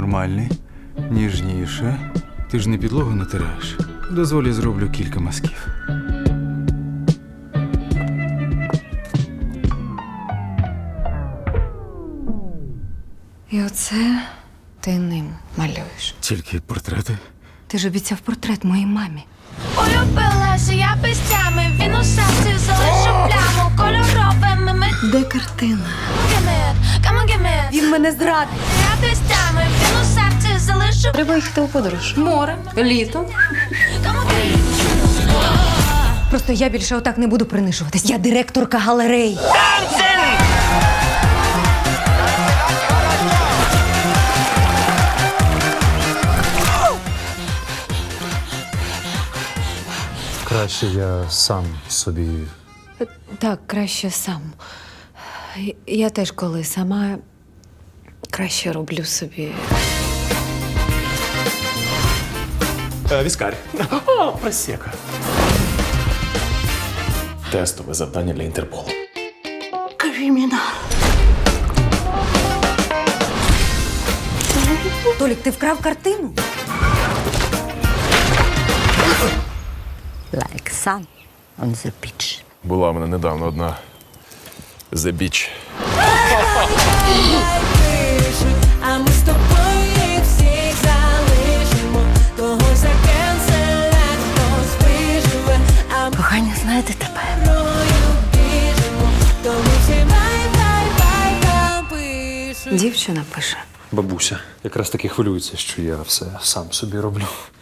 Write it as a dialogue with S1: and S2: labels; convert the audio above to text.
S1: нормальний, ніжніше. Ти ж не підлогу натираєш. Дозволь, я зроблю кілька мазків.
S2: І оце ти ним малюєш.
S1: Тільки портрети.
S2: Ти ж обіцяв портрет моїй мамі.
S3: Улюбилася я пестями, він у серці залишив пляму кольоровими ми.
S2: Де картина?
S3: Come on, give me.
S2: Він мене зрадив.
S3: Я пестями, він у серці залишив.
S2: Треба їхати у подорож. Море, літо.
S3: Come on, give me.
S2: Просто я більше отак не буду принижуватись. Я директорка галерей.
S4: Краще я сам собі.
S2: Так, краще сам. Я теж коли сама краще роблю собі.
S5: Віскарь. О, просека. Тестове завдання для Інтерполу.
S2: Толік, ти вкрав картину?
S6: Like sun on the beach.
S5: Була в мене недавно одна The Beach.
S7: А ми з тобою їх всіх залишимо. Когось закенселять, хтось виживе. А ми
S6: Кохання, знаєте тебе.
S7: рою біжимо. То ми всі бай-бай-бай напишемо.
S2: Дівчина пише.
S4: Бабуся якраз таки хвилюється, що я все сам собі роблю.